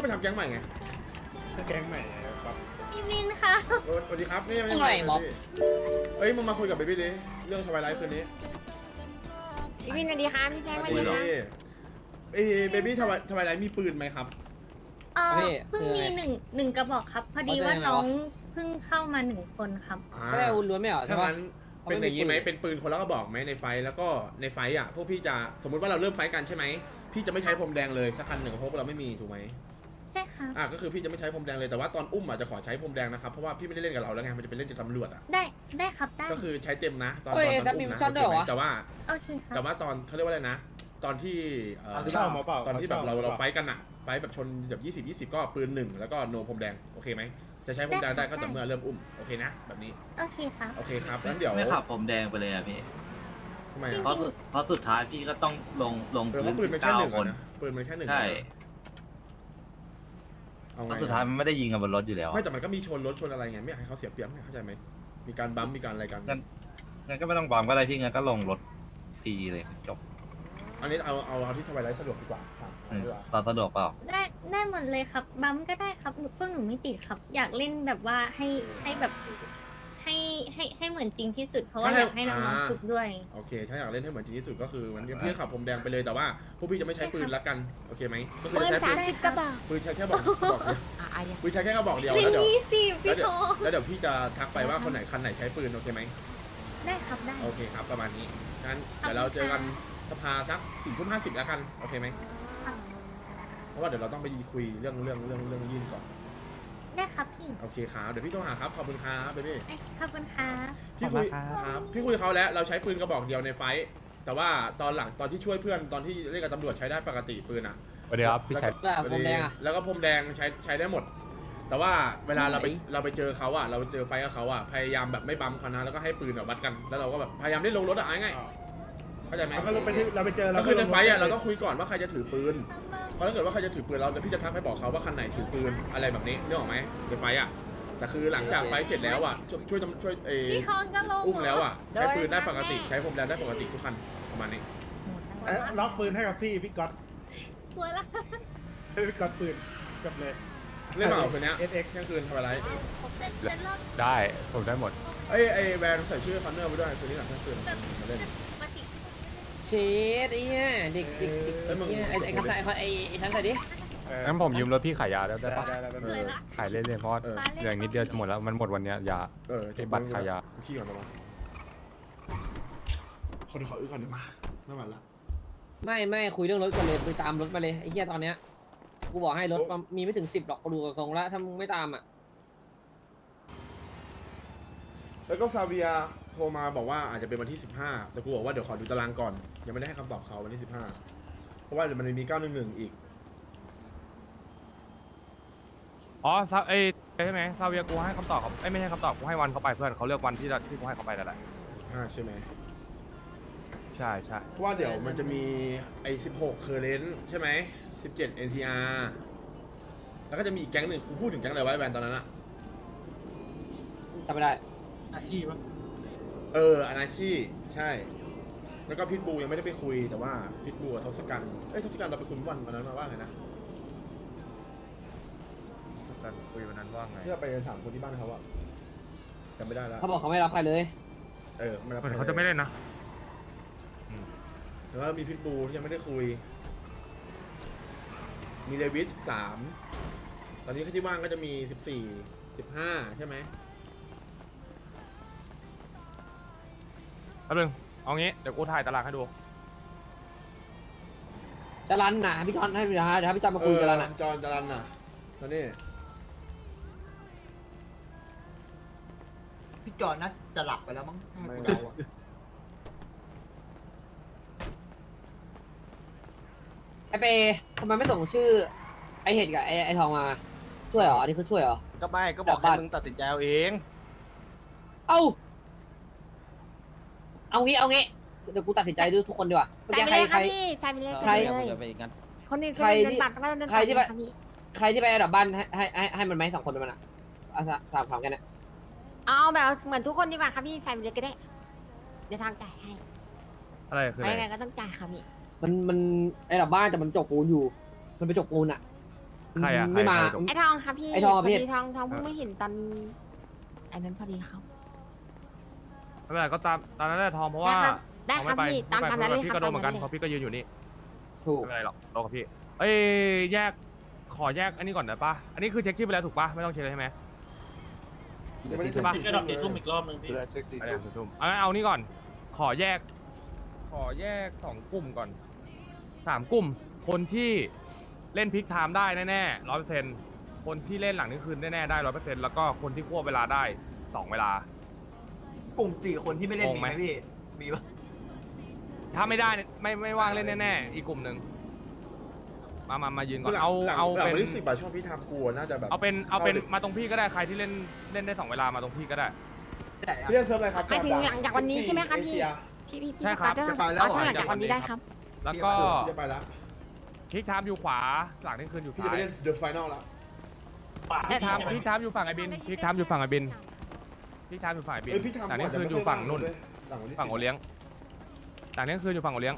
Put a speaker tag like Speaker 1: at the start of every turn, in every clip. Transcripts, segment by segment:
Speaker 1: ไปทำแก๊งใหม่ไง
Speaker 2: แก๊งใหม่ครับ
Speaker 3: พี่มินค่ะ
Speaker 1: สวัสดีครับนี่ยัง
Speaker 4: อะไรบอก
Speaker 1: เอ้ยมึงมาคุยกับเบบี้ดิเรื่องทวายไลฟ์คืนนี้
Speaker 5: พี่วินสวัสดีค่ะพี่แจ๊คสวัสดีค่ะ
Speaker 1: เอ้ยเบบี้ทวายไลฟ์มีปืนไหมครับ
Speaker 3: เพิ่งมีหนึ่งกระบอกครับ พอดีว่าน้องเพิ่งเข้ามา1 คนครับ
Speaker 4: ก็ได้อาวุธล้วนไม่เหรอใช่
Speaker 1: ถ้า
Speaker 4: ปะ
Speaker 1: งั้นเป็นอย่างนี้ไหมเป็นปืนคนละกระบอกไหมในไฟแล้วก็ในไฟอ่ะพวกพี่จะสมมติว่าเราเริ่มไฟกันใช่ไหมพี่จะไม่ใช้พรมแดงเลยสักคันหนึ่งเพราะเราไม่มีถูกไหม
Speaker 3: ใช่ครับ
Speaker 1: ก็คือพี่จะไม่ใช้พรมแดงเลยแต่ว่าตอนอุ้มอาจจะขอใช้พรมแดงนะครับเพราะว่าพี่ไม่ได้เล่นกับเราแล้วไงมันจะเป็นเล่นกับตำรวจอ่ะ
Speaker 3: ได้ครับได้
Speaker 1: ก็คือใช้เต็มนะตอน
Speaker 4: เฮ้ย
Speaker 1: อุ้
Speaker 4: แล้วมี
Speaker 1: มนะ
Speaker 4: ชอบด้วยเหรอวะ
Speaker 1: แต่ว่า
Speaker 3: โอเคครับ
Speaker 1: แต่ว่าตอนเขาเรียกว่าอะไรนะ ตอนที่
Speaker 2: เช่ามาเปล่า
Speaker 1: ตอนที่แบบเราไฟกันอะไฟแบบชนแบบ20 ก็ปืน1แล้วก็โนพรมแดงโอเคไหมจะใช้พรมแดงได้ก็ต่อเมื่อเริ่มอุ้มโอเคนะแบบนี้
Speaker 3: โอเคครับ
Speaker 1: โอเคครับงั้นเดี๋ยว
Speaker 6: ไม่ขับผมแดงไปเลยอ่ะพี่
Speaker 1: ทำไม
Speaker 3: จริ
Speaker 1: อะ
Speaker 3: ง
Speaker 6: เพราะสุดท้ายพี่ก็ต้องลง
Speaker 1: เพราะปืนมันแค่
Speaker 6: 19
Speaker 1: หนึ่ง
Speaker 6: คน
Speaker 1: นะปืนมันแค่หนึ่ง
Speaker 6: ใช่
Speaker 1: เอา
Speaker 6: เพ
Speaker 1: ไง
Speaker 6: ราะสุดท้ายมันไม่ได้ยิงกันบนรถอยู่แล้ว
Speaker 1: ไม่แต่มันก็มีชนรถชนอะไรไงไม่อยากให้เขาเสียเปรียบไงเข้าใจไหมมีการบัมป์มีการอะไรกัน
Speaker 6: งั้นก็ไม่ต้องบอมก็ได้พี่งั้นก็ลงรถทีเลยจบ
Speaker 1: อันนี้เอาที่ทวายไลท์สะดวกดีกว่าครับ
Speaker 6: เราสะดวกเปล่า
Speaker 3: ได้หมดเลยครับ บัมก็ได้ครับพวกหนูไม่ติดครับ อยากเล่นแบบว่าให้แบบให้เหมือนจริงที่สุด เพราะว่าอยากให้น้องๆฝึกด้วย
Speaker 1: โอเคถ้าอยากเล่นให้เหมือนจริงที่สุดก็คือมันพี่ขับพรมแดงไปเลยแต่ว่าพวกพี่จะไม่ใช้ปืนละกันโอเคไหมก็คือ
Speaker 5: ปืน
Speaker 1: จะใช้
Speaker 5: 30 กระบอก
Speaker 1: ปืนใช้แค่บอกเดียว
Speaker 5: อ่ะยัง
Speaker 1: ปืนใช้แค่กระบอกเดียว
Speaker 3: เล่น
Speaker 1: แล้วเดี๋ยว
Speaker 3: 20พี่โท
Speaker 1: แล้วเดี๋ยวพี่จะทักไปว่าคนไหนคันไหนใช้ปืนโอเคไหม
Speaker 3: ได้ครับได้
Speaker 1: โอเคครับประมาณนี้งั้นเดี๋ยวเราเจอกันสภาสัก4:50แล้วกันโอเคไหม
Speaker 3: ครับ
Speaker 1: เพราะว่าเดี๋ยวเราต้องไปคุยเรื่องยื่นก่อน
Speaker 3: ได้ครับพี่
Speaker 1: โอเคครับเดี๋ยวพี่โทรหาครับขอบคุณครับเบบี้
Speaker 3: ขอบคุณครับ
Speaker 1: พี่คุยครับพี่คุยกับเขาแล้วเราใช้ปืนกระบอกเดียวในไฟท์แต่ว่าตอนหลังตอนที่ช่วยเพื่อนตอนที่เล่นกับตำรวจใช้ได้ปกติปืนอ่ะ
Speaker 2: สวัสดีครับพี่ชัย
Speaker 4: แล้วผมแดงอะ
Speaker 1: แล้วก็พรมแดงใช้ได้หมด แต่ว่าเวลาเราไปเจอเขาอะเราไปเจอไฟกับเขาอะพยายามแบบไม่บัมเขานะแล้วก็ให้ปืนแบบวัดกัน แล้วเราก็แบบพยายามได้ลงรถอะง่ายๆเข้าใจไหม
Speaker 2: ก็เราไปเจอ
Speaker 1: ก็คือในไฟอะเราต้องคุยก่อนว่าใครจะถือปืนเพราะถ้าเกิดว่าใครจะถือปืนเราพี่จะทักไปบอกเขาว่าคันไหนถือปืนอะไรแบบนี้นึกออกไหมในไฟอะแต่คือหลังจากไฟเสร็จแล้วอะช่วย
Speaker 3: พี่ทองก็ลง
Speaker 1: อุ้มแล้วอะใช้ปืนได้ปกติใช้พรมแดงได้ปกติทุกคันประมาณนี้
Speaker 2: ล็อกปืนให้กับพี่ก๊อต
Speaker 3: สวยละ
Speaker 2: ให้พี่ก๊อตปืนกับเลย
Speaker 1: เล่นมาเอาคืนนี้
Speaker 2: SX
Speaker 1: เที่ยงคืนทำอะไร
Speaker 3: เป็นรอบ
Speaker 2: ได้ผมได้หมด
Speaker 1: ไอแวนใส่ชื่อคอนเนอร์ไปด้วยคืนนี้หลังเที่ยงคืนมาเล่น
Speaker 3: ปกติ
Speaker 4: เชดไอ้เนี่ยเด็กเนี่ยไอ้คันใส่ไอ้คันใส่ดิ
Speaker 2: งั้นผมยืมรถพี่ขายยาได้ปะ
Speaker 3: สวยละ
Speaker 2: ขายเรื่อยๆเพราะเหลือนิดเดียวจะหมดแล้วมันหมดวันนี้ยา ที่บัตรขายยา
Speaker 1: ขี้ก่อนประมาณคนขออึก่อนเดี๋ยวมาไม่ไหวละ
Speaker 4: ไม่คุยเรื่องรถกันเลยไปตามรถมาเลยไอ้เหี้ยตอนเนี้ยกูบอกให้รถมีไม่ถึง10หรอกกูดูกับทรงแล้วถ้ามึงไม่ตามอ่ะ
Speaker 1: แล้วก็ซาเวียโทรมาบอกว่าอาจจะเป็นวันที่15แต่กูบอกว่าเดี๋ยวขอดูตารางก่อนยังไม่ได้ให้คำตอบเขาวันที่15เพราะว่าเดี๋ยวมันมี911อีก
Speaker 7: อ๋อซาใช่ไหมซาเวียกูให้คำตอบเขาไม่ใช่คำตอบกูให้วันเขาไปเพื่อนเขาเลือกวันที่กูให้เขาไปนั่นแหละ
Speaker 1: 15ใช่ไหม
Speaker 7: ใช่ใช่
Speaker 1: เพราะว่าเดี๋ยวมันจะมีไอ้16เคอร์เรนต์ใช่ไหม17 NTR แล้วก็จะมีอีกแก๊งหนึ่งกูพูดถึงแก๊งอะไรไว้แบนตอนนั้นอะ
Speaker 4: จำไม่ได้
Speaker 1: อนาชีใช่ แล้วก็พิทบูยังไม่ได้ไปคุยแต่ว่าพิทบูกับทศกัณฐ์ทศกัณฐ์เราไปคุยวันนั้นมาว่าไงนะ
Speaker 7: กันคุยวันนั้นว่าไง
Speaker 1: ที่เราไปถามคนที่บ้านเขาอะจำไม่ได้แล้ว
Speaker 4: เขาบอกเขาไม่รับใครเลย
Speaker 1: ไม่รับ
Speaker 7: เหมือนเขาจะไม่เล่นนะ
Speaker 1: แต่ว่ามีพิทบูที่ยังไม่ได้คุย มีเดวิส13ตอนนี้ที่ว่างก็จะมี14 15ใช่ไหม
Speaker 7: แป๊บนึงเอางี้เดี๋ยวกูถ่ายตารางให้ดู
Speaker 4: จะรันนะพี่จอนให้เดี๋ยวพี่จอนมาคุยจะรันนะ
Speaker 1: จอนจรันน่ะตอนนี้
Speaker 8: พี่จอนนะจะหลับไปแล้วมั้ง
Speaker 1: ไม่เงาอะ
Speaker 4: ไอเปทำไมไม่ส่งชื่อไอเห็ดกับไอทองมาช่วยเหรออันนี้คือช่วยเหรอ
Speaker 8: ก็ไม่ก็บอกให้มึงตัดสินใจเอาเอง
Speaker 4: เอางี้เดี๋ยวกูตัดสินใจด้วยทุกคนดีกว่าเมื่อ
Speaker 5: ใส่
Speaker 4: กี้
Speaker 5: ไป
Speaker 4: ใคร
Speaker 5: เลย
Speaker 4: ใค
Speaker 5: ค่ะ
Speaker 4: ร
Speaker 5: พี่ใส่ไปเลย
Speaker 4: ใคร
Speaker 5: ใส่ไปเลย
Speaker 8: จะไปงั้น
Speaker 5: คนอื่น
Speaker 4: ใคร
Speaker 5: เดินบัตรก็เดิน
Speaker 4: ใครที่
Speaker 5: บัตรค่ะพี่
Speaker 4: ใครที่ไปอันดับบ้านให้มันไหม2 คนมันอ่ะ3กันเนี่ย
Speaker 5: เอาแบบเหมือนทุกคนดีกว่าค่ะพี่ใส่ไปเลยก็ได้เดี๋ยวทางจ่ายให้
Speaker 7: อะไรคือ
Speaker 5: ไป
Speaker 7: อะไร
Speaker 5: ยังไงก็ต้องจ่ายค่ะพี่
Speaker 4: มันอันดับบ้านแต่มันจกปูนอยู่มันไปจกปูนอ่ะ
Speaker 7: ใครอะใคร
Speaker 4: ไม่มา
Speaker 7: ใครจบ
Speaker 5: ไอ้ทองครับพี่
Speaker 4: ไอ้ทอง
Speaker 5: พอ
Speaker 4: พี่
Speaker 5: ดีทองเพิ่งไม่เห็นตอนไอ้นั้นพอดีครับ
Speaker 7: ไม่เป็นไรก็ตามนั้นแหละทองเพราะว่า
Speaker 5: ใช่ครับได้
Speaker 7: ทอง
Speaker 5: ครับ
Speaker 7: ม่ป
Speaker 5: พี่ตามนั้นเลย
Speaker 7: พี่
Speaker 5: ครับ
Speaker 7: ก็โดนเหมือนกัน
Speaker 5: ตามนั้นเลย
Speaker 7: เพราะพี่ก็ยืนอยู่นี่
Speaker 4: ถูก
Speaker 7: ไม่เป็นไรหรอกโดนกับพี่เอ้ยแยกขอแยกอันนี้ก่อนได้ปะอันนี้คือเช็คชื่อไปแล้วถูกปะไม่ต้องเช็คเลยใช่ไหม
Speaker 1: ใช่ปะ
Speaker 9: ก็ดอกสีทุ่มอีกรอบนึงพี่
Speaker 7: อะไรอ่ะทุ่มเอานี่ก่อน ขอแยกสองกลุ่มก่อน3กลุ่ม คนที่เล่นพลิกไทม์ได้แน่ๆ100%คนที่เล่นหลังนี้คืนแน่ๆได้100%แล้วก็คนที่ควบเวลาได้2เวลา
Speaker 8: กลุ่ม4 คนที่ไม่เล่น
Speaker 7: งง
Speaker 8: มี
Speaker 7: ไห
Speaker 8: ไห
Speaker 7: ม
Speaker 8: มพี่ มีปะ
Speaker 7: ถ้าไม่ได้เนี่ยไม่ว่างเล่นแน่ๆอีกกลุ่มหนึ่งมายืนก่อน
Speaker 1: หลัง
Speaker 7: เอา
Speaker 1: หลัง
Speaker 7: เป็น
Speaker 1: วันที่10บาทช่วงพี่ทำกลัวน่าจะแบบ
Speaker 7: เอาเป็นมาตรงพี่ก็ได้ใครที่เล่นได้2เวลามาตรงพี่ก็ได้
Speaker 8: ที่ไหนอะ
Speaker 1: พี่เล่นเซิร์ฟอะไรครับ
Speaker 5: หมายถึงหลังจากวันนี้ใช่ไหมครับพี่
Speaker 1: เอเชีย
Speaker 5: พี่
Speaker 7: ใช่ครับ
Speaker 5: สกัด
Speaker 8: จะไปแล้วเหรอ
Speaker 5: ถ้าหลังจากวันนี้ได้ครับ
Speaker 7: แล้วก็
Speaker 1: พี่จะไปแล้ว
Speaker 7: พลิกไทม์อยู่ขวาหลังนี่คืนอยู่
Speaker 1: พี่จะ
Speaker 7: ซ้า
Speaker 1: ไป
Speaker 7: ย
Speaker 1: เล่นเดอะไฟนอลแล้ว
Speaker 7: พลิกไทม์อยู่ฝั่งไอบินพลิกไทม์อยู่ฝั่งไอบินพลิกไทม์อยู่ฝั่งไอบิน
Speaker 1: เอ้ยพี่ทำ
Speaker 7: หลังนี่คืนอยู่ฝั่งนู่น
Speaker 1: หลังวันที่
Speaker 7: ฝั่งโอเลี้ยงหลังนี่คืนอยู่ฝั่งโอเลี้ยง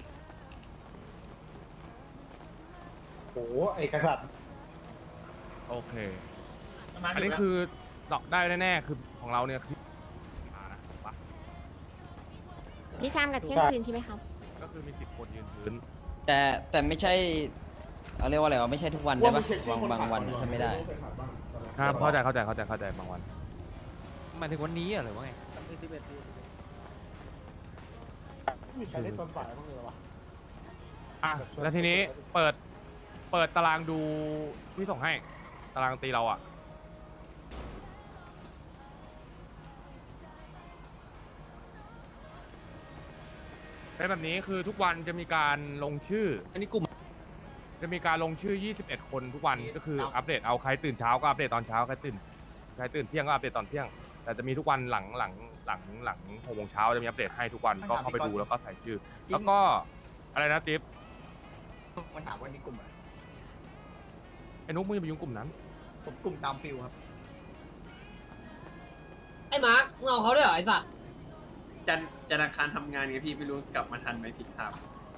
Speaker 6: โอ้ไอกษัตริย์
Speaker 7: โอเคอันนี้คือดอกได้แน่ๆคือของเราเนี่ยคือมานะปะ
Speaker 5: พี่ทำกับเที่ยงคืนใช่ไหมครับ
Speaker 7: ก็คือมี10 คนยืนพื้น
Speaker 10: แต่ไม่ใช่เอาเรียกว่าอะไรวะไม่ใช่ทุกวันได้ปะบางวันทำไม่ได้
Speaker 7: ครับเข้าใจบางวัน
Speaker 10: หมายถึงวันนี้หรือว่าไง
Speaker 6: มีใครเล่นตอนฝ่ายบ้างเลยวะ
Speaker 7: อ่ะแล้วทีนี้เปิดตารางดูที่ส่งให้ตารางตีเราอ่ะเป็นแบบนี้คือทุกวันจะมีการลงชื่อ
Speaker 10: อันนี้กลุ่ม
Speaker 7: จะมีการลงชื่อ 21 คนทุกวันก็คืออัปเดตเอาใครตื่นเช้าก็อัปเดตตอนเช้าใครตื่นเที่ยงก็อัปเดตตอนเที่ยง แต่จะมีทุกวันหลัง6 โมงเช้าจะมีอัปเดตให้ทุกวันก็เข้าไปดูแล้วก็ใส่ชื่อ แล้วก็อะไรนะติ๊บ
Speaker 8: มันถามว่านี่กลุ่มอะไร
Speaker 7: ไอ้นุ๊กมึงอย่าไปยุ่งกลุ่มนั้น
Speaker 8: ผมกลุ่มตามฟิลครับ
Speaker 4: ไอ้มาร์คมึงเอาเขาด้วยเหรอไอ้สัตว์
Speaker 9: จันทร์อังคารทำงานไงพี่ไม่รู้กลับมาทันไหมผิดทาง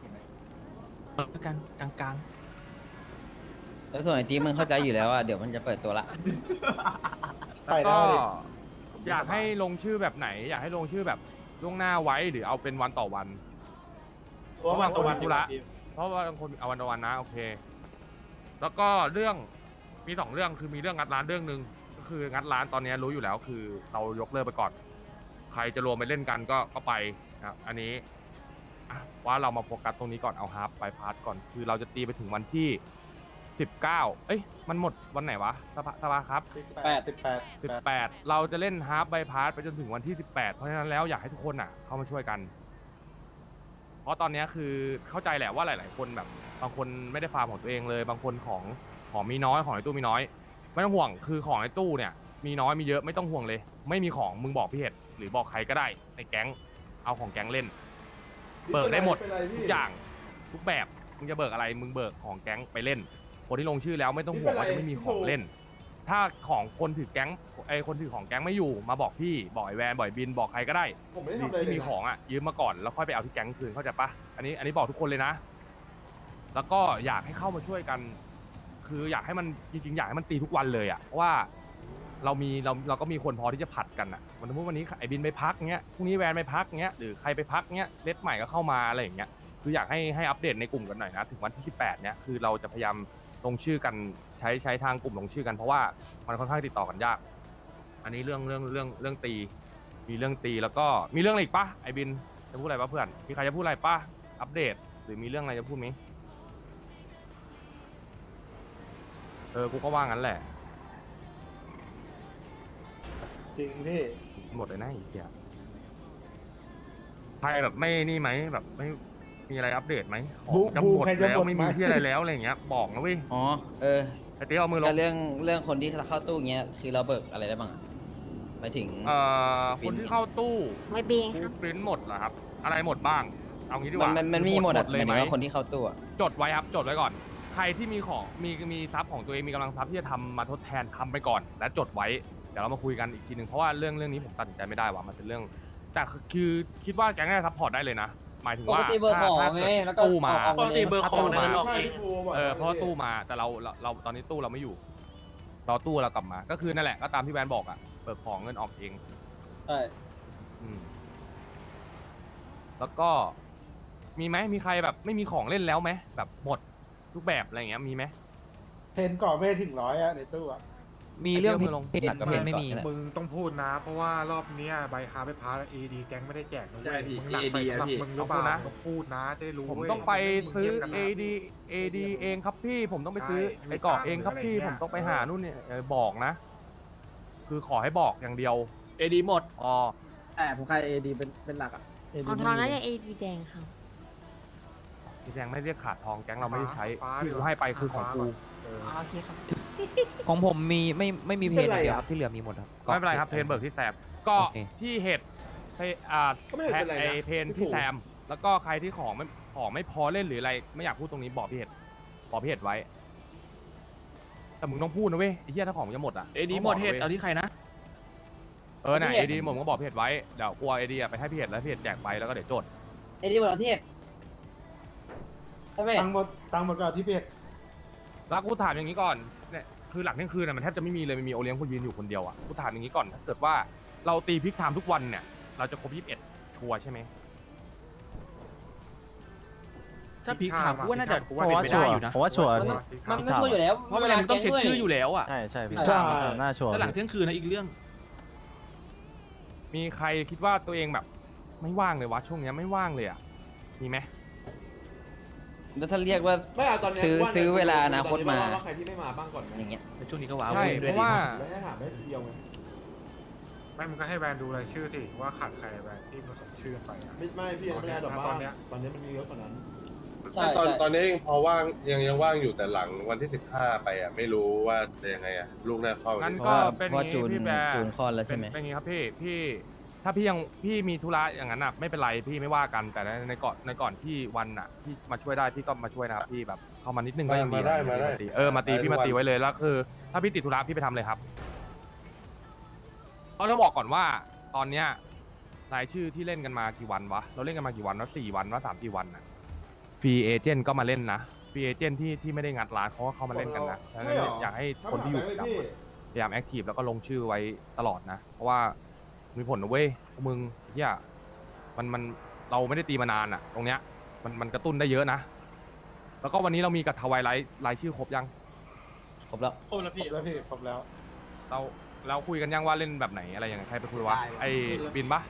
Speaker 10: กลางแล้วส่วนไอ้ทีมึงเข้าใจอยู่แล้วอ่ะเดี๋ยวมันจะเปิดตัวละ
Speaker 7: แล้วก็อยากให้ลงชื่อแบบไหน อยากให้ลงชื่อแบบล่วงหน้าไว้หรือเอาเป็นวันต่อวัน
Speaker 9: เพราะวันต่อวัน
Speaker 7: ธุระเพราะว่าบางคนเอาวันต่อวันนะโอเค แล้วก็เรื่องมี2เรื่องคือมีเรื่องงัดร้านเรื่องหนึ่งก็คืองัดร้านตอนนี้รู้อยู่แล้วคือเรายกเลิกไปก่อน ใครจะรวมไปเล่นกันก็ไปนะครับอันนี้อ่ะว่าเรามาโฟกัสตรงนี้ก่อนเอาฮาร์ปไปพาร์ทก่อนคือเราจะตีไปถึงวันที่19เอ้ยมันหมดวันไหนวะสภาครับ 18 เราจะเล่นฮาร์ปไบพาสไปจนถึงวันที่ 18 เพราะฉะนั้นแล้วอยากให้ทุกคนอ่ะเข้ามาช่วยกัน เพราะตอนนี้คือเข้าใจแหละว่าหลาย ๆ คนแบบบางคนไม่ได้ฟาร์มของตัวเองเลย บางคนของมีน้อยของในตู้มีน้อย ไม่ต้องห่วงคือของในตู้เนี่ยมีน้อยมีเยอะไม่ต้องห่วงเลย ไม่มีของมึงบอกพี่เห็ดหรือบอกใครก็ได้ในแก๊งเอาของแก๊งเล่น เบิกได้หมดทุกอย่างทุกแบบมึงจะเบิกอะไรมึงเบิกของแก๊งไปเล่น คนที่ลงชื่อแล้วไม่ต้องห่วงว่าจะไม่มีของเล่น ถ้าของคนถือแก๊งคนถือของแก๊งไม่อยู่มาบอกพี่บอกไอแวนบอกไอ้บินบอกใครก็ได้
Speaker 1: ผมไม่ได้ทำอะไร
Speaker 7: ที่
Speaker 1: เลย
Speaker 7: มีของอ่ะยืมมาก่อนแล้วค่อยไปเอาที่แก๊งคืนเข้าใจปะอันนี้บอกทุกคนเลยนะ แล้วก็อยากให้เข้ามาช่วยกัน คืออยากให้มันจริงๆอยากให้มันตีทุกวันเลยอ่ะเพราะว่าเราก็มีคนพอที่จะผัดกันอ่ะสมมติวันนี้ไอบินไปพักเงี้ยพรุ่งนี้แวนไปพักเงี้ยหรือใครไปพักเงี้ยเลสใหม่ก็เข้ามาอะไรอย่างเงี้ยคืออยากให้อัปเดตในกลุ่มกันหน่อยนะถึงวันที่18เนี้ยคือเราจะพยายามลงชื่อกันใช้ทางกลุ่มลงชื่อกันเพราะว่ามันค่อนข้างติดต่อกันยาก อันนี้เรื่องตีมีเรื่องตีแล้วก็มีเรื่องอะไรอีกปะไอบินจะพูดอะไรปะเพื่อนมีใครจะพูดอะไรปะอัปเดตหรือมีเรื่องอะไรจะพูดไหมกูก็ว่างั้นแหละ
Speaker 6: จริงพี่
Speaker 7: หมดเลยนะไอ้เหี้ยใครแบบไม่นี่ไหมแบบไม่มีอะไรอัปเดตไหมของจะหมดแล้วไม่มีที่อะไรแล้วอะไรอย่างเงี้ยบอกนะเว้ย
Speaker 10: อ๋อ
Speaker 7: ไอเตี้ยเอามือล
Speaker 10: แต่
Speaker 7: ง
Speaker 10: เรื่องคนที่เข้าตู้เงี้ยคือเราเบิกอะไรได้บ้างอะหมายถึง
Speaker 7: คนที่เข้าตู้
Speaker 5: ไม่เบงครับ
Speaker 7: ปริ้นหมดเหรอครับ อะไรหมดบ้าง เอางี้ดีกว่า
Speaker 10: มันมีหมดอะ
Speaker 7: เลย
Speaker 10: ห
Speaker 7: ไหม
Speaker 10: มายถึงว่าคนที่เข้าตู้อะ
Speaker 7: จดไว้ครับจดไว้ก่อน ใครที่มีของมีทรัพย์ของตัวเองมีกำลังทรัพย์ที่จะทำมาทดแทนทำไปก่อน และจดไว้เดี๋ยวเรามาคุยกันอีกทีหนึ่งเพราะว่าเรื่องนี้ผมตัดสินใจไม่ได้ว่ามันเป็นเรื่องแต่คือคิดว่าแก๊งน่าจะซัพพอร์ตได้เลยนะหมายถึง
Speaker 4: ป
Speaker 7: ว่าก
Speaker 4: ติเบอร์ของ
Speaker 7: ถ้า
Speaker 4: ไง
Speaker 7: เกิด
Speaker 4: แล้วก็
Speaker 7: ตู้มา
Speaker 4: ออก
Speaker 9: ปกติเบอร์ของ
Speaker 7: ตู้
Speaker 9: เดิ
Speaker 7: มา
Speaker 9: นออก
Speaker 1: ใช่
Speaker 9: เอง
Speaker 1: พี่ฟูบอก
Speaker 7: เพราะว่าตู้มาแต่เราตอนนี้ตู้เราไม่อยู่รอตู้เรากลับมาก็คือนั่นแหละก็ตามที่แบรนด์บอกอะเบิกของเงินออกเอง
Speaker 4: ใช่
Speaker 7: อืมแล้วก็มีไหมมีใครแบบไม่มีของเล่นแล้วไหมแบบหมดทุกแบบอะไรอย่างเงี้ยมีไหม
Speaker 11: เพนก่อไม่ถึง100อะในตู้อะ
Speaker 10: มีเรื่อง
Speaker 7: ไอ้เรื่อง
Speaker 10: เพจหลักกับเพจไม่มี
Speaker 2: มึงต้องพูดนะ เพราะว่ารอบเนี้ยใบคาร์ไปพาร์เอดีแก๊งไม่ได้แจกนะ
Speaker 9: ใช่
Speaker 2: เว้ย
Speaker 9: พี่
Speaker 2: มึงหนักไป
Speaker 9: AD
Speaker 2: สำหรับ
Speaker 9: พี่
Speaker 2: มึงหรือเปล่าต้องพูดนะได้รู้
Speaker 7: ผม
Speaker 2: เว้ย
Speaker 7: ต้องไปซื้อ
Speaker 2: มันไม่มีเงียบกันนะ
Speaker 7: AD เองครับพี่ผมต้องไปซื้อ
Speaker 2: ใช่
Speaker 7: ไอ้เกาะเองครับพี่
Speaker 2: อะไรอย่างเงี้ย
Speaker 7: ผมต้องไปหานู่นเนี่ยบอกนะ คือขอให้บอกอย่างเดียว
Speaker 9: เอดีหมด
Speaker 7: อ๋อ
Speaker 8: แต่ผมใครเอดีเป็นหลักอ่ะ
Speaker 5: ของทองน่าจะ AD แดงค่ะ
Speaker 7: พี่แจงไม่เรียกขาดทองแก๊งเราไม่ได้ใช้
Speaker 2: ฟ้า
Speaker 7: ที่กูให้ไปคือของกู
Speaker 2: เออ
Speaker 5: โอเคครับ
Speaker 10: ของผมมีไม่มีเพจอย่างเดียวครับที่เหลือมีหมดครับ
Speaker 7: ไม่เป็นไรครับเพนเบิร์กที่แซมก็
Speaker 10: โอเค
Speaker 7: ที่เห็ด
Speaker 1: ก็ไม่เห็นเป็นไรนะ
Speaker 7: ไอเพนที่แซมแล้วก็ใครที่ของไม่พอเล่นหรืออะไรไม่อยากพูดตรงนี้บอกพี่เห็ดบอกพี่เห็ดไว้ แต่มึงต้องพูดนะเว้ยไอ้เหี้ยถ้าของมันจะหมดอ่ะ
Speaker 9: เอดีหมดเห็ดเอาที่ใครนะ
Speaker 7: น่ะเอดีผมก็บอกพี่เห็ดไว้เดี๋ยวกลัวเอดีไปให้พี่เห็ดแล้วพี่เห็ดแจกไปแล้วก็เดี๋ยวจด
Speaker 4: ไอ้นี่หมดประเทศใช่ไหม
Speaker 11: ตังค์หมดก่อนที่เพจ
Speaker 7: แล้วกูถามอย่างนี้ก่อนเนี่ยคือหลังเที่ยงคืนน่ะมันแทบจะไม่มีเลยมันมีโอเลี้ยงคนยืนอยู่คนเดียวอ่ะกูถามอย่างนี้ก่อนถ้าเกิดว่าเราตีพิกไทม์ทุกวันเนี่ยเราจะครบ21ชัวร์ใช่ไหม
Speaker 9: ถ้าพีคถามกูว่าน่าจะ
Speaker 2: กู
Speaker 9: เป็นไปได้อยู่นะ
Speaker 2: ผมว่าชัวร์
Speaker 4: มันไม่ช่วยอยู่แล้ว
Speaker 9: เพราะเวลามันต้องเช็คชื่ออยู่แล้วอ่ะ
Speaker 2: ใช่ใช่พี่
Speaker 11: ใช่
Speaker 2: น่าชัวร์
Speaker 9: ถ้าหลังเที่ยงคืนนะอีกเรื่อง
Speaker 7: มีใครคิดว่าตัวเองแบบ ไม่ว่างเลยวะช่วงเนี้ยไม่ว่างเลยอ่ะมีไหม
Speaker 10: แล้วถ้าเรียกว่า
Speaker 1: ไม่เอาตอนนี้
Speaker 10: ซื้อเวลาอนาคตมา
Speaker 1: ว่าใครที่ไม่มาบ้างก่อนไหม
Speaker 10: อย่างเงี้ย
Speaker 9: ในช่วงนี้ก็ว้าว
Speaker 7: ใช่
Speaker 9: ด้
Speaker 7: เพ
Speaker 9: วย
Speaker 7: ราะ
Speaker 9: ดี
Speaker 7: ว่า
Speaker 1: แล้วให้ถามได้ทีเดียวไง
Speaker 2: ไม่มึงก็ให้แบรนด์ดูรายชื่อสิว่าขาดใครแบรนด์ที่มันส่งชื่อไปอะ
Speaker 1: ไม่พี่ไม่ได้หรอกว่า
Speaker 2: ตอนเนี้ย
Speaker 1: ตอนนี้มันมีเยอะกว่านั้น
Speaker 4: ใช่
Speaker 12: ตอนนี้ยังพอว่างยังว่างอยู่แต่หลังวันที่15ไปอ่ะไม่รู้ว่าจะยังไงอ่ะลูกน่าเข้า
Speaker 7: งั้น
Speaker 10: เพ
Speaker 7: ก็
Speaker 10: ราะว่า
Speaker 7: เป็น
Speaker 10: เพราะ
Speaker 7: อย่าง
Speaker 10: จู
Speaker 7: นี้
Speaker 10: น
Speaker 7: พี่แบร์
Speaker 10: จูนคลอดแล้วใช่ไหม
Speaker 7: เป็นอย่างนี้ครับพี่ถ้าพี่มีธุระอย่างนั้นอ่ะไม่เป็นไรพี่ไม่ว่ากันแต่ในก่อนที่วันอ่ะที่มาช่วยได้พี่ก็มาช่วยนะครับพี่แบบเข้ามานิดนึงก็ยังดี
Speaker 12: มาได้
Speaker 7: มาตีพี่มาตีไว้เลยแล้วคือ ถ้าพี่ติดธุระพี่ไปทำเลยครับเราต้องบอกก่อนว่าตอนเนี้ยรายชื่อที่เล่นกันมากี่วันวะเราเล่นกันมากี่วันวะ4 วันวะ3-4 วันนะฟรีเอเจนต์ก็มาเล่นนะฟรีเอเจนต์ที่ไม่ได้งัดร้านเขาก็เข้ามาเล่นกันนะดังนั้นอยากให้คนที่อยู่ประจำอะพยายามแอคทีฟแล้วก็ลงชื่อไว้ตลอดนะ เพราะว่ามีผลนะเว้ยพวกมึงเฮียมันเราไม่ได้ตีมานานอ่ะ ตรงเนี้ยมันกระตุ้นได้เยอะนะ แล้วก็วันนี้เรามีกับทวายไลท์รายชื่อครบยัง
Speaker 10: ครบแล้ว
Speaker 9: ครบแล้วพี่
Speaker 11: แล้วพี่ครบแล้ว
Speaker 7: เราคุยกันยังว่าเล่นแบบไหนอะไรยังไงใครไปคุยวะ
Speaker 8: ได้
Speaker 7: ไอ้บินปะ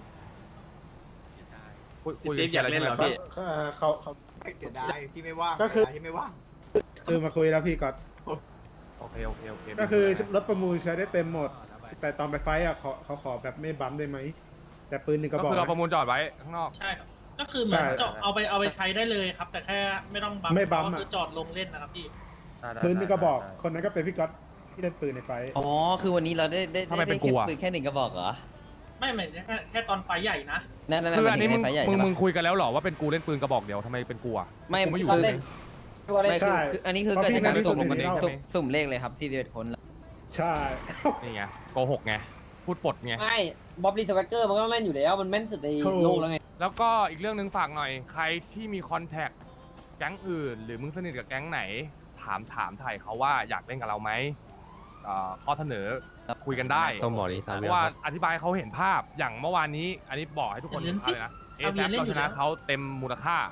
Speaker 7: คุย
Speaker 9: พี่อยากเล่นเหรอพี่
Speaker 11: เขา
Speaker 8: เสียดายที่ไม่ว่าง
Speaker 11: ก็คือ
Speaker 8: เสียดายที่ไม่ว่าง
Speaker 11: คือมาคุยแล้วพี่ก่อน
Speaker 7: โอเค
Speaker 11: ก็คือรถประมูลใช้ได้เต็มหมด แต่ตอนไปไฟท์อะเขาขอแบบไม่บัมป์ได้ไหม แต่ปืนหนึ่งก
Speaker 7: ก็
Speaker 11: ระบอก
Speaker 7: คือเรา
Speaker 11: นะ
Speaker 7: ประมูลจอดไว้ข้างนอก
Speaker 13: ใช่ครับ ก็คือเหมือน
Speaker 11: ใช่
Speaker 13: ก็เอาไปใช้ได้เลยครับ แต่แค่ไม่ต้องบัม
Speaker 11: ไม่บัมป์
Speaker 13: ก็
Speaker 11: อะ
Speaker 13: คือจอดลงเล่นนะครับพี่
Speaker 11: ปืนหนึ่งกระบอก คนนั้นก็เป็นพี่ก๊อตที่เล่นปืนในไฟท์
Speaker 10: อ๋อ คือวันนี้เราได้
Speaker 7: ทำไมเป็นกูอะ
Speaker 10: ปืนแค่1 กระบอกเหรอ
Speaker 13: ไม่เหมือนแค่ตอนไฟใหญ่นะ
Speaker 10: นั่น
Speaker 7: คืออันนี้มึง
Speaker 10: ไฟใหญ่
Speaker 7: มึ
Speaker 10: ใช่
Speaker 7: ง
Speaker 10: ปะ
Speaker 7: คุยกันแล้วเหรอว่าเป็นกูเล่นปืนกระบอกเดียวทำไมเป็นกูอะ
Speaker 10: ไม่
Speaker 7: ผมไม่อยู่
Speaker 10: คือ
Speaker 4: เล่น
Speaker 10: ไม่คืออันนี้คือเกิดจากการสุ่ม
Speaker 7: กันเองใช่ไหม
Speaker 10: สุ่มเลขเลยครับ41 คนแล้ว
Speaker 11: ใช่
Speaker 7: นี่ไงโกหกไงพูดปดไง
Speaker 4: ไม่บ๊อบลีสแวกเกอร์มันก็ต้องเล่นอยู่แล้วมันแม่นสุดในโลกแล้วไง
Speaker 7: แล้วก็อีกเรื่องหนึ่งฝากหน่อย ใครที่มีคอนแทคแก๊งอื่น หรือมึงสนิทกับแก๊งไหน ถามถ่ายเขาว่าอยากเล่นกับเราไหมข้อเสนอคุยกันได้
Speaker 2: ต้องบอกดิ
Speaker 7: เพราะว่าอธิบายให้เขาเห็นภาพอย่างเมื่อวานนี้ อันนี้บอกให้ทุกคนเห็นภาพเลยนะเอ
Speaker 13: เอา
Speaker 7: แซ
Speaker 13: เรียนเล่น
Speaker 7: เรา
Speaker 13: อ
Speaker 7: ช
Speaker 13: ยู่
Speaker 7: นะ
Speaker 13: แล้ว
Speaker 7: เขาเต็มมูลค่า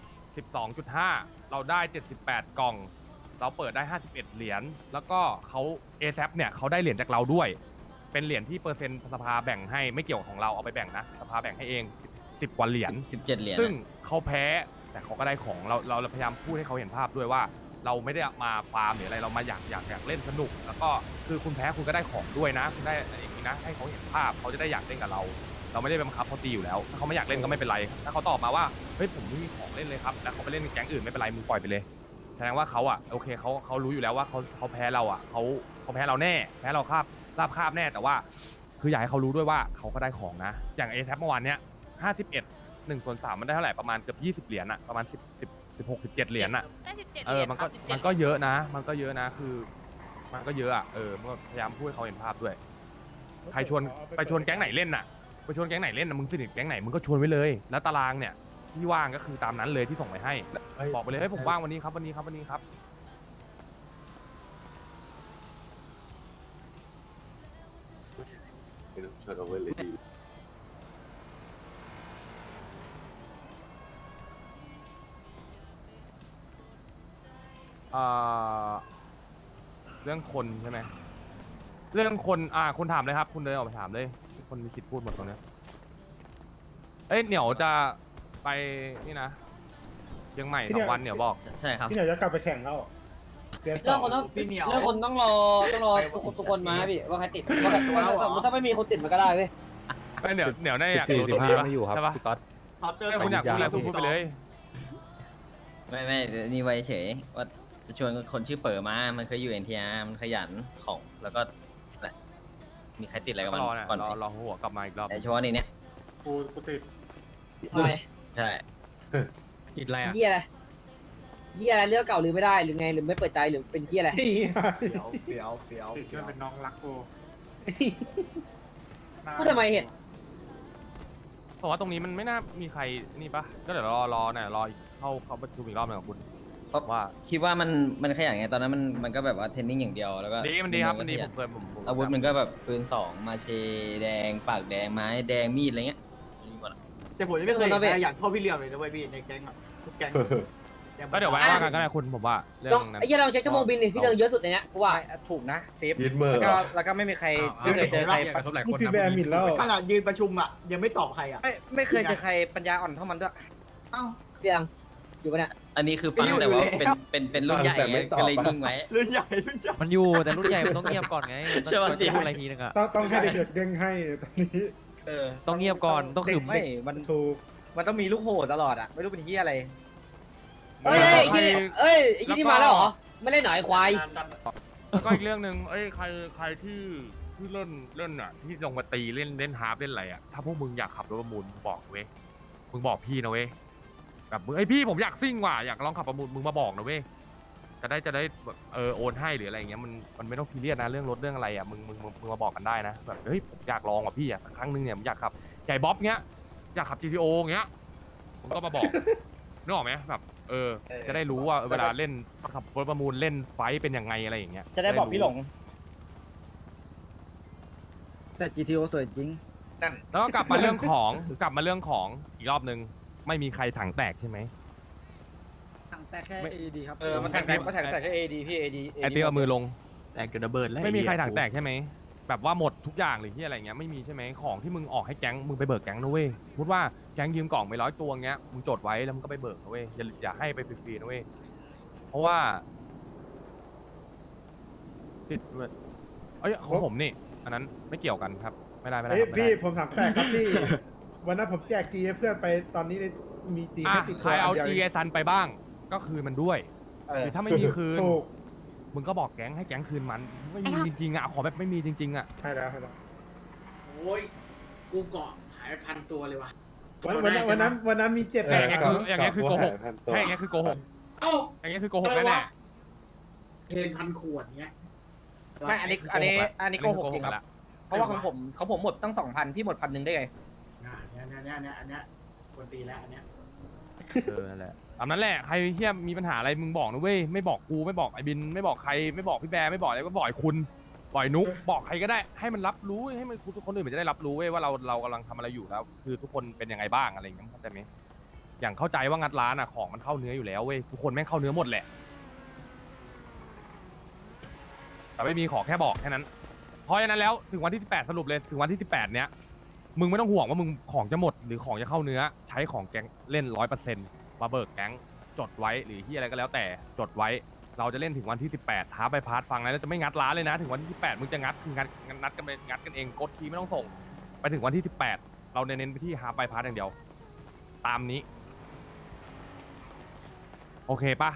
Speaker 7: 12.5 เราได้ 78 กล่อง เราเปิดได้ 51 เหรียญแล้วก็เขาเอแซเนี่ยเขาได้เหรียญจากเราด้วย เป็นเหรียญที่เปอร์เซ็นต์สภาแบ่งให้ไม่เกี่ยวของเราเอาไปแบ่งนะสภาแบ่งให้เอง10 กว่าเหรียญ
Speaker 10: 17 เหรียญ
Speaker 7: ซึ่งเขาแพ้แต่เขาก็ได้ของเราพยายามพูดให้เขาเห็นภาพด้วยว่า เราไม่ได้มาฟาร์มหรืออะไรเรามาอยากเล่นสนุก แล้วก็คือคุณแพ้คุณก็ได้ของด้วยนะคุณได้อย่างนี้นะให้เขาเห็นภาพเขาจะได้อยากเล่นกับเรา เราไม่ได้บังคับเขาตีอยู่แล้วถ้าเขาไม่อยากเล่นก็ไม่เป็นไรถ้าเขาตอบมาว่าเฮ้ยผมไม่มีของเล่นเลยครับแล้วเขาไปเล่นกับแก๊งอื่นไม่เป็นไรมึงปล่อยไปเลยแสดงว่าเขาอ่ะโอเคเขารู้อยู่แล้วว่าเขาแพ้เราอ่ะเขาแพ้เราแน่แพ้เราราบคาบแน่แต่ว่าคืออยากให้เขารู้ด้วยว่าเขาก็ได้ของนะอย่างเอแทเมื่อวานเนี้ย51 1/3มันได้เท่าไหร่ประมาณเกือบ20 เหรียญอะประมาณ16 17 เหรียญอะ
Speaker 3: ได้17
Speaker 7: มันก็เยอะนะมันก็เยอะนะคือมันก็เยอะอะมันก็พยายามพูดให้เขาเห็นภาพด้วยใครชวนไปชวนแก๊งไหนเล่นน่ะไปชวนแก๊งไหนเล่นน่ะมึงสนิทแก๊งไหนมึงก็ชวนไว้เลยแล้วตารางเนี่ยที่ว่างก็คือตามนั้นเลยที่ส่งไปให้ บอกไปเลยให้ผมว่างวันนี้ครับวันนี้ครับวันนี้ครับ
Speaker 12: ไม่ต้องช่วยเอาไว้เลยดี
Speaker 7: เรื่องคนใช่ไหมเรื่องคนคนถามเลยครับ คุณเดินออกไปถามเลยคนมีสิทธิ์พูดหมดตรงเนี้ยเอ้ยเหนียวจะไปนี่นะเชียงใหม่
Speaker 11: ที่
Speaker 7: ส
Speaker 11: เนี่
Speaker 7: อย งวันเหนียวบอก
Speaker 10: ใช่ครับ
Speaker 11: ที่ไหนจะกลับไปแข่งแล้วเสีย
Speaker 4: เรื่องคนต้อง
Speaker 8: พี่เหนียว
Speaker 4: เรื่องคนต้องรอทุกคนมาพี่ว่าใครติดว่าใครถ้าไม่มีคนติดมันก็ได้เว้ย
Speaker 7: เอ้ยเหนียวได้อยาก
Speaker 2: 14
Speaker 7: รู้ตรงนี้ปะ
Speaker 2: 15ไม่อยู่ครับ
Speaker 7: ใช่ปะ
Speaker 2: พี่ก๊อต
Speaker 8: เขาเจอ
Speaker 7: ถ้าคุณอยากพูดอะไรพูดไปเลย
Speaker 10: ไม่นี่ไว้เฉยว่าจะชวนคนชื่อเป๋อมา มันเคยอยู่ NTR มันขยันของแล้วก็แหละมีใครติดอะไรกับมัน
Speaker 7: รอเนี่ย
Speaker 10: ก่อน
Speaker 7: รอหัวกลับมาอีกรอบ
Speaker 10: แต่เฉพาะในเนี้ย
Speaker 11: กูติด
Speaker 10: ใช่
Speaker 2: ติดอะไรอ่ะ
Speaker 4: เฮียอะไรเฮียอะไรเรื่องเก่าลืมไม่ได้หรือไงหรือไม่เปิดใจหรือเป็นเฮียอะไร
Speaker 8: เฟี้ยว
Speaker 11: ติดจนเป็นน้องรักกู
Speaker 4: พูดทำไมเห็น
Speaker 7: เพราะว่าตรงนี้มันไม่น่ามีใครนี่ปะก็เดี๋ยวรอเนี่ยรอเข้าประชุมอีกรอบหนึงกับคุณ
Speaker 10: เพราะ
Speaker 7: ว่า
Speaker 10: คิดว่ามันขยันไงตอนนั้นมันก็แบบว่าเทรนนิ่งอย่างเดียวแล้วก็
Speaker 7: มันดีครับมันดี
Speaker 10: ข
Speaker 7: ผ
Speaker 10: ยั
Speaker 7: มเคยผม
Speaker 10: อาวุธมันก็แบบปืน2มาเชแดงปากแดงไม้แดงมีดอะไรเงี้ยมีหมดอะ
Speaker 8: แต่ผมยังไม่เคยเห็นใครอยากโทษพี่เหลี่ยมเลยนะเว้ยพี่ในแก๊งอะทุกแก๊ง
Speaker 7: ก็เดี๋ยวไว้ว่ากันก็ได้คุณผมว่าเรื่องนั้น
Speaker 4: ไอ้เฮียเราเช็คชั่วโมงบินนี่พี่เรื่องเยอะสุดในเนี้ยกูว่า
Speaker 8: ถูกนะเซฟ
Speaker 12: ยึดมือ
Speaker 8: แล้วก็ไม่มีใครไม่เคยเจอใคร
Speaker 11: นี่พี่แบร์มินแล้ว
Speaker 8: ขนาดยืนประชุมอ่ะยังไม่ตอบใครอ่ะ
Speaker 9: ไม่เคยเจอใครปัญญาอ่อนเท่ามันด้วย
Speaker 8: เอ้า
Speaker 4: เตียงอยู่ปะเนี่ย
Speaker 10: อันนี้คือฟังแต่ว่าเป็นรุ่นใหญ่ไงก็เลยนิ่งไว้
Speaker 8: รุ่นใหญ่
Speaker 2: มันอยู่แต่รุ่นใหญ่มันต้องเงียบก่อนไง
Speaker 10: ใช่ปะ
Speaker 2: มันจะพูดอะไรทีนึงอ่ะ
Speaker 11: ต้องให้เด็กๆเด้งให้ตอนนี้
Speaker 2: ต้องเงียบก่อนต้องขึม
Speaker 8: ไม่มัน
Speaker 11: ถูก
Speaker 8: มันต้องมีลูกโหดตลอดอ่ะไม่รู้เป็นที่อะไร
Speaker 4: เอ้ยไอ้ยี่นี่มาแล้วเหรอไม่เล่นหน่อยควาย
Speaker 7: ก็อีกเรื่องหนึ่งใครที่เล่นอ่ะที่ลงมาตีเล่นฮาร์ปเล่นอะไรอ่ะถ้าพวกมึงอยากขับรถประมูลมึงบอกเว้ยมึงบอกพี่นะเว้ยแบบมึงพี่ผมอยากซิ่งว่ะอยากลองขับประมูลมึงมาบอกนะเว้ยจะได้แบบโอนให้หรืออะไรอย่างเงี้ยมันไม่ต้องซีเรียสนะเรื่องรถเรื่องอะไรอ่ะมึงมาบอกกันได้นะแบบเฮ้ยผมอยากลองว่ะพี่อ่ะสักครั้งนึงเนี่ยผมอยากขับใหญ่บ๊อบเงี้ยอยากขับ GTO เงี้ยมึงก็มาบอก นึกออกไหมแบบจะได้รู้ว่าเวลาเล่นขับรถประมูลเล่นไฟท์เป็นยังไงอะไรอย่างเงี้ย
Speaker 8: จะได้บอกพี่หลง แต่ GTO สวยจริง
Speaker 7: แล้วก็กลับมาเรื่องของอีกรอบนึงไม่มีใครถังแตกใช่ไหม
Speaker 8: ถังแต่แค่ AD ครับ
Speaker 9: มันถังแต่แค่ AD พี่ AD
Speaker 7: ไอเตี้ยเอามือลง
Speaker 2: แตกเกิดระเบิดแล้ว
Speaker 7: ไม่มีใครถังแตกใช่ไหมแบบว่าหมดทุกอย่างหรือที่อะไรเงี้ยไม่มีใช่ไหมของที่มึงออกให้แก๊งมึงไปเบิกแก๊งนะเว้ยพูดว่าแก๊งยืมกล่องไป100 ตัวเงี้ยมึงจดไว้แล้วมึงก็ไปเบิกนะเว้ยอย่าให้ไปฟรีๆนะเว้ยเพราะว่าติดของผมนี่อันนั้นไม่เกี่ยวกันครับไม่ได้
Speaker 11: เฮ้ย
Speaker 7: ครับไม่
Speaker 11: พี่
Speaker 7: ได้
Speaker 11: ผมถามแปลกครับพี่ วันนั้นผมแจกจีให้เพื่อนไปตอนนี้มีจี
Speaker 7: อ่ะ
Speaker 11: ให้ติด
Speaker 7: ใครเอา
Speaker 11: ดียว
Speaker 7: จีไอซันไปบ้างก็คืนมันด้วยหรือถ้าไม่มีคืน
Speaker 11: ถูก
Speaker 7: มึงก็บอกแก๊งให้แก๊งคืนมันไม่มีจริงๆอ่ะขอแบบไม่มีจริงๆอ่ะ
Speaker 11: ใช่แล้ว
Speaker 13: โอ้ยกูเกาะหายพันตัวเลยว่ะ
Speaker 11: วันนั้นมี7
Speaker 7: อย่างเงี้ยคือโกหกแค่อย่างเงี้ยคือโกหก
Speaker 13: เอ้า
Speaker 7: อย่างเงี้ยคือโกหกแน่
Speaker 13: เพนพันขวดเงี้ย
Speaker 9: ไม่อันนี้โกหกจริงครับ เพราะว่าของผมหมดตั้ง 2,000 พี่หมด1,000ได้ไง
Speaker 13: อันเนี้ยควรตีแล้วอันเนี้ย
Speaker 7: นั่นแหละตามนั้นแหละใครเฮียมีปัญหาอะไรมึงบอกนะเว้ยไม่บอกกูไม่บอกไอ้บินไม่บอกใครไม่บอกพี่แบร์ไม่บอกอะไรก็บอกไอ้คุณบอกไอ้นุ๊กบอกใครก็ได้ให้มันรับรู้ให้มันคนอื่นมันจะได้รับรู้เว้ยว่าเรากำลังทำอะไรอยู่แล้ว คือทุกคนเป็นยังไงบ้างอะไรอย่างเงี้ยเข้าใจไหมอย่างเข้าใจว่างัดร้านอ่ะของมันเข้าเนื้ออยู่แล้วเว้ยทุกคนแม่งเข้าเนื้อหมดแหละแต่ไม่มีขอแค่บอกแค่นั้นเพราะฉะนั้นแล้วถึงวันที่18สรุปเลยถึงวันที่18เนี้ยมึงไม่ต้องห่วงว่ามึงของจะหมดหรือของจะเข้าเนื้อใช้ของแก๊งเล่น 100%มาเบิกแก๊งจดไว้หรือที่อะไรก็แล้วแต่จดไว้เราจะเล่นถึงวันที่18ท้าไปพาร์ทฟังนะแล้วจะไม่งัดร้านเลยนะถึงวันที่18มึงจะงัดคืองัดกันเองกดทีไม่ต้องส่งไปถึงวันที่18เราเน้นไปที่หาไปพาร์ทอย่างเดียวตามนี้โอเคปะ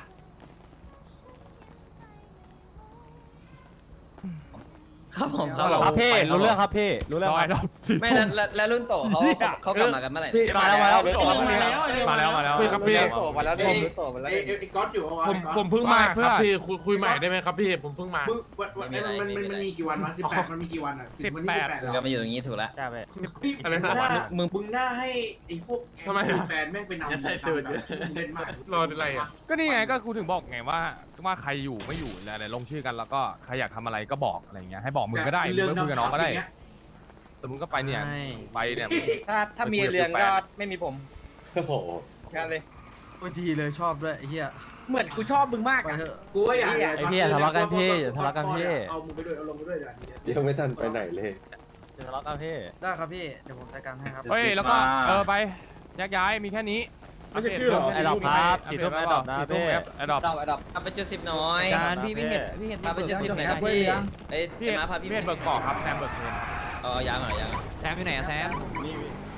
Speaker 10: ครับผม
Speaker 2: ครับพี่รู้เรื่องครับพี่รู้เรื่อง
Speaker 7: ร้อย
Speaker 2: ครับ
Speaker 7: รอบสิบ
Speaker 10: ไม่แล้วรุ่นโตเขากลับมากันเมื่อไหร่
Speaker 2: มาแล้วมาแล้ว
Speaker 7: มาแล้ว
Speaker 9: พี่ครับพี่
Speaker 4: โตมาแล้วผมโตมาแล้ว
Speaker 13: ไอ้ก๊อตอยู่เอาไว้
Speaker 7: ผมเพิ่งมาครับพี่คุยใหม่ได้ไหมครับพี่ผมเพิ่งมา
Speaker 13: มันมีกี่วันวะ18มันมีกี่วันอ่ะถึงวันที่18
Speaker 10: มึงก็มาอยู่อย่างนี้ถูกแล้ว
Speaker 2: ใช่ไหม
Speaker 13: อะไรนะมึงหน้าให้ไอ้พวกแฟนแม่งไปนำเล่นมาก
Speaker 7: รออะไรอ่ะก็นี่ไงก็กูถึงบอกไงว่าใครอยู่ไม่อยู่อะไรลงชื่อกันแล้วก็ใครอยากทำอะไรก็บอกอะไรเงี้ยให้บอกมึงก็ได้มึงก็คุยกับน้องก็ได้แต่มึงก็ไปเนี่ยไปเนี่ย
Speaker 9: ถ้ามีเรือนก็ไม่มีผม
Speaker 12: โอ้โห
Speaker 9: กันเลย
Speaker 8: โอ้ยดีเลยชอบด้วยไอ้เหี้ย
Speaker 9: เหมือนกูชอบมึงมาก
Speaker 8: ไป
Speaker 9: อะ
Speaker 8: เถอะ
Speaker 13: กูว่าอยาก
Speaker 2: ไอ้พี่อย่าทะเลาะกันพี่อย่าทะเลาะกันพี่
Speaker 13: เอามึงไปด้วยเอาลงไปด้วยอย่างนี้
Speaker 12: ยังไม่ทันไปไหนเลย
Speaker 2: ทะเลาะกันพี่
Speaker 8: ได้ครับพี่เดี๋ยวผมจัดการให้ครับ
Speaker 7: เฮ้ยแล้วก็ไปแยกย้ายมีแค่นี้
Speaker 1: ไม่ใช่ชื่อหรอ
Speaker 2: ไอ้ดอกครับสีส้มไอ้ดอกนะพี่
Speaker 7: ไอ้ดอก
Speaker 10: เอาไปจุด10น้อย
Speaker 2: จานพี่ไม่เห็นพี่เห็น
Speaker 10: เอาไปจุด10หน่อยครับพี่เอ้ย
Speaker 7: พี่
Speaker 10: มาพาพี่
Speaker 7: เบิกเกาะครับแซมเบิกเงิน
Speaker 10: เอายางหน่อยยาง
Speaker 2: แซมอยู่ไหนอะแซม